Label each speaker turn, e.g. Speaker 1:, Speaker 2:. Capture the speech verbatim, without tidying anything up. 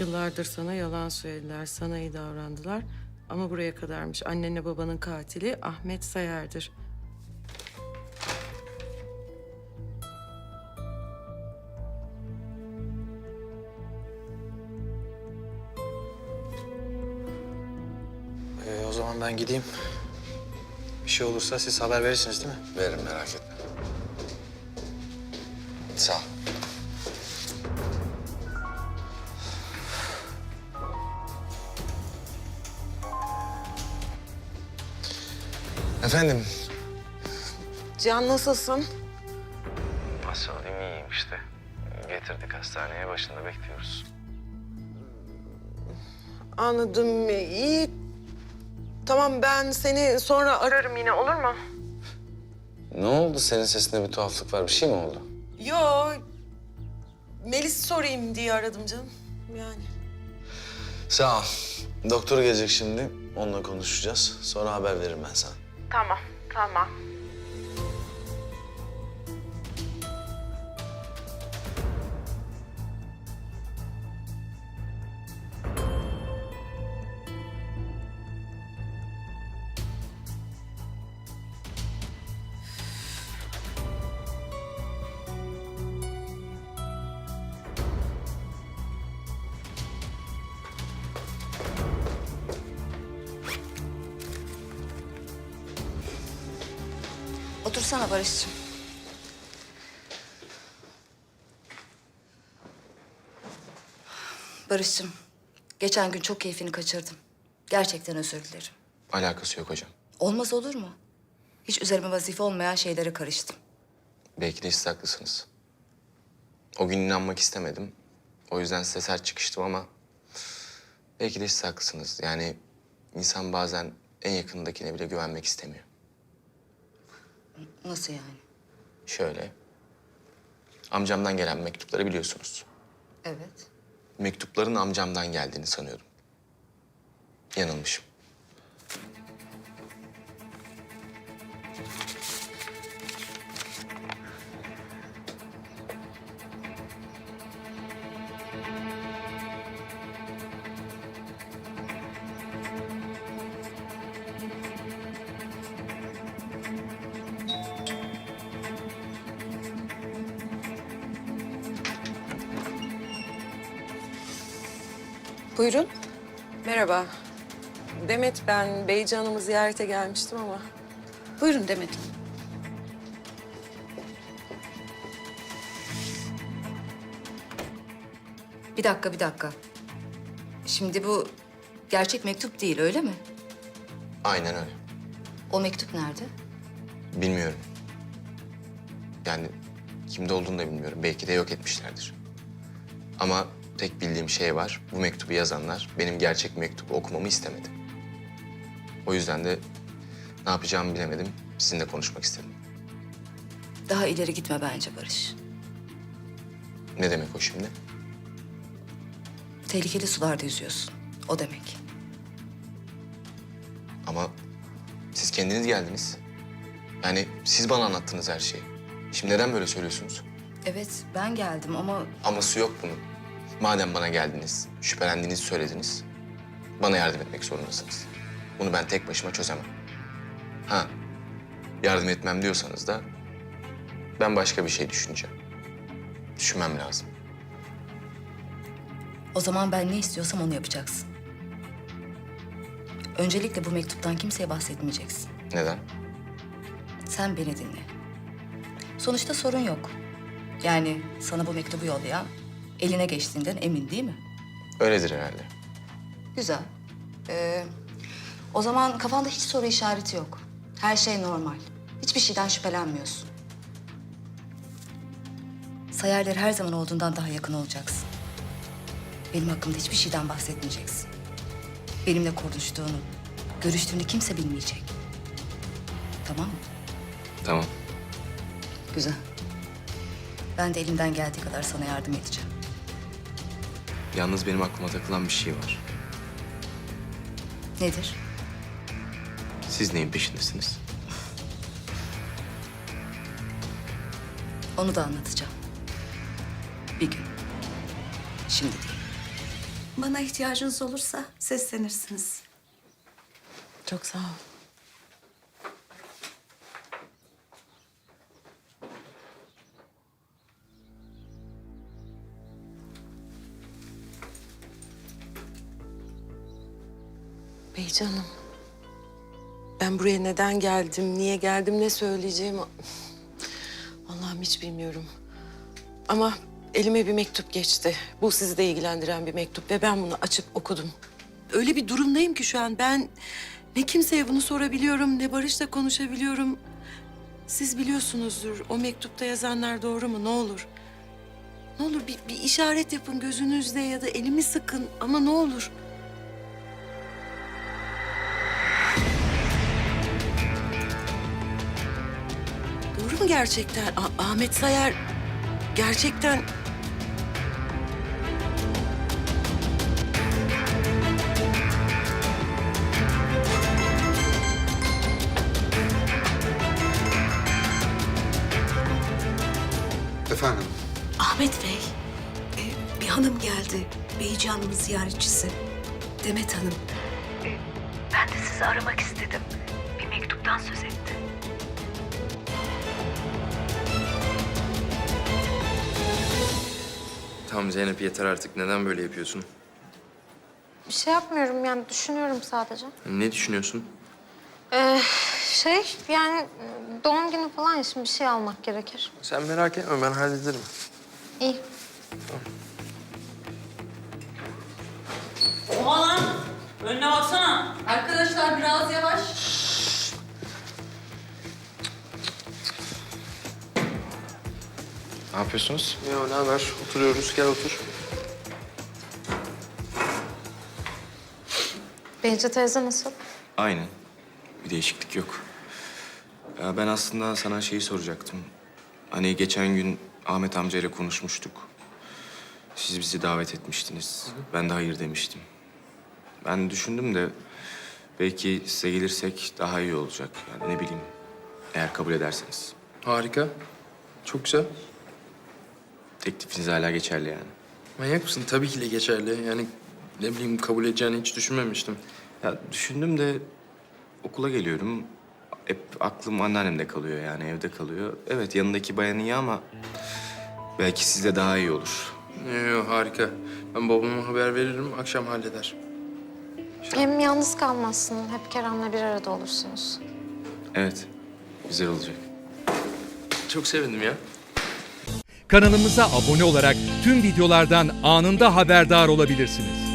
Speaker 1: Yıllardır sana yalan söylediler, sana iyi davrandılar. Ama buraya kadarmış. Annenle babanın katili Ahmet Sayar'dır.
Speaker 2: Ee, o zaman ben gideyim. Bir şey olursa siz haber verirsiniz değil mi?
Speaker 3: Veririm, merak etme. Sağ ol. Efendim?
Speaker 1: Can nasılsın?
Speaker 3: Nasıl olayım, iyiyim işte. Getirdik hastaneye, başında bekliyoruz.
Speaker 1: Anladım. İyi. Tamam, ben seni sonra ararım yine, olur mu?
Speaker 3: Ne oldu? Senin sesinde bir tuhaflık var. Bir şey mi oldu?
Speaker 1: Yo. Melis sorayım diye aradım canım. Yani.
Speaker 3: Sağ ol. Doktor gelecek şimdi. Onunla konuşacağız. Sonra haber veririm ben sana.
Speaker 1: Tamam, tamam.
Speaker 4: Otursana Barış'cığım. Barış'cığım, geçen gün çok keyfini kaçırdım. Gerçekten özür dilerim.
Speaker 3: Alakası yok hocam.
Speaker 4: Olmaz olur mu? Hiç üzerime vazife olmayan şeylere karıştım.
Speaker 3: Belki de siz haklısınız. O gün inanmak istemedim. O yüzden size sert çıkıştım ama... belki de siz haklısınız. Yani insan bazen en yakınındakine bile güvenmek istemiyor.
Speaker 4: Nasıl yani?
Speaker 3: Şöyle... amcamdan gelen mektupları biliyorsunuz.
Speaker 4: Evet.
Speaker 3: Mektupların amcamdan geldiğini sanıyordum. Yanılmışım.
Speaker 1: Buyurun. Merhaba. Demet ben. Beyci Hanım'ı ziyarete gelmiştim ama.
Speaker 4: Buyurun Demet. Bir dakika, bir dakika. Şimdi bu gerçek mektup değil, öyle mi?
Speaker 3: Aynen öyle.
Speaker 4: O mektup nerede?
Speaker 3: Bilmiyorum. Yani kimde olduğunu da bilmiyorum. Belki de yok etmişlerdir. Ama tek bildiğim şey var. Bu mektubu yazanlar benim gerçek mektubu okumamı istemedi. O yüzden de ne yapacağımı bilemedim. Sizinle konuşmak istedim.
Speaker 4: Daha ileri gitme bence Barış.
Speaker 3: Ne demek o şimdi?
Speaker 4: Tehlikeli sularda yüzüyorsun. O demek.
Speaker 3: Ama siz kendiniz geldiniz. Yani siz bana anlattınız her şeyi. Şimdi neden böyle söylüyorsunuz?
Speaker 4: Evet, ben geldim ama
Speaker 3: Aması yok bunun. Madem bana geldiniz, şüphelendiğinizi söylediniz, bana yardım etmek zorundasınız. Bunu ben tek başıma çözemem. Ha, yardım etmem diyorsanız da ben başka bir şey düşüneceğim. Düşünmem lazım.
Speaker 4: o zaman ben ne istiyorsam onu yapacaksın. Öncelikle bu mektuptan kimseye bahsetmeyeceksin.
Speaker 3: Neden?
Speaker 4: Sen beni dinle. Sonuçta sorun yok. Yani sana bu mektubu yollayan eline geçtiğinden emin değil mi?
Speaker 3: Öyledir herhalde.
Speaker 4: Güzel. Ee, o zaman kafanda hiç soru işareti yok. Her şey normal. Hiçbir şeyden şüphelenmiyorsun. Sayarlar her zaman olduğundan daha yakın olacaksın. Benim hakkımda hiçbir şeyden bahsetmeyeceksin. Benimle konuştuğunu, görüştüğünü kimse bilmeyecek. Tamam mı?
Speaker 3: Tamam.
Speaker 4: Güzel. Ben de elimden geldiği kadar sana yardım edeceğim.
Speaker 3: Yalnız benim aklıma takılan bir şey var.
Speaker 4: Nedir?
Speaker 3: Siz neyin peşindesiniz?
Speaker 4: Onu da anlatacağım. Bir gün. Şimdi değil.
Speaker 5: Bana ihtiyacınız olursa seslenirsiniz.
Speaker 1: Çok sağ ol. Beycanım. Ben buraya neden geldim, niye geldim, ne söyleyeceğimi... Allah'ım hiç bilmiyorum. Ama elime bir mektup geçti. Bu sizi de ilgilendiren bir mektup ve ben bunu açıp okudum. Öyle bir durumdayım ki şu an ben ne kimseye bunu sorabiliyorum, ne Barış'la konuşabiliyorum. Siz biliyorsunuzdur, o mektupta yazanlar doğru mu? Ne olur. Ne olur bir, bir işaret yapın gözünüzle ya da elimi sıkın ama ne olur. Doğru mu gerçekten? Ah- Ahmet Sayar gerçekten...
Speaker 6: Efendim?
Speaker 5: Ahmet Bey, e, bir hanım geldi. Beycan'ın ziyaretçisi. Demet Hanım. E, ben de sizi aramak istedim. Bir mektuptan söz etti.
Speaker 7: Tamam Zeynep yeter artık. Neden böyle yapıyorsun?
Speaker 8: Bir şey yapmıyorum yani düşünüyorum sadece.
Speaker 7: Ne düşünüyorsun?
Speaker 8: Ee, şey yani doğum günü falan ya şimdi bir şey almak gerekir.
Speaker 7: Sen merak etme ben hallederim.
Speaker 8: İyi.
Speaker 9: Oha lan! Önüne baksana.
Speaker 4: Arkadaşlar biraz yavaş.
Speaker 3: Ne yapıyorsunuz?
Speaker 7: Ya ne haber? Oturuyoruz. Gel otur.
Speaker 8: Bence teyze nasıl?
Speaker 3: Aynen. Bir değişiklik yok. Ya ben aslında sana şeyi soracaktım. Hani geçen gün Ahmet amcayla konuşmuştuk. Siz bizi davet etmiştiniz. Ben de hayır demiştim. Ben düşündüm de belki size gelirsek daha iyi olacak. Yani ne bileyim, eğer kabul ederseniz.
Speaker 7: Harika. Çok güzel.
Speaker 3: Teklifiniz hala geçerli yani.
Speaker 7: Manyak mısın? Tabii ki de geçerli. Yani ne bileyim kabul edeceğini hiç düşünmemiştim.
Speaker 3: Ya düşündüm de okula geliyorum. Hep aklım anneannemde kalıyor yani, evde kalıyor. Evet, yanındaki bayan iyi ama belki sizde daha iyi olur.
Speaker 7: Yo, yo, harika. Ben babama haber veririm. Akşam halleder.
Speaker 8: Hem yalnız kalmazsın. Hep Kerem'le bir arada olursunuz.
Speaker 3: Evet, güzel olacak.
Speaker 7: Çok sevindim ya.
Speaker 10: Kanalımıza abone olarak tüm videolardan anında haberdar olabilirsiniz.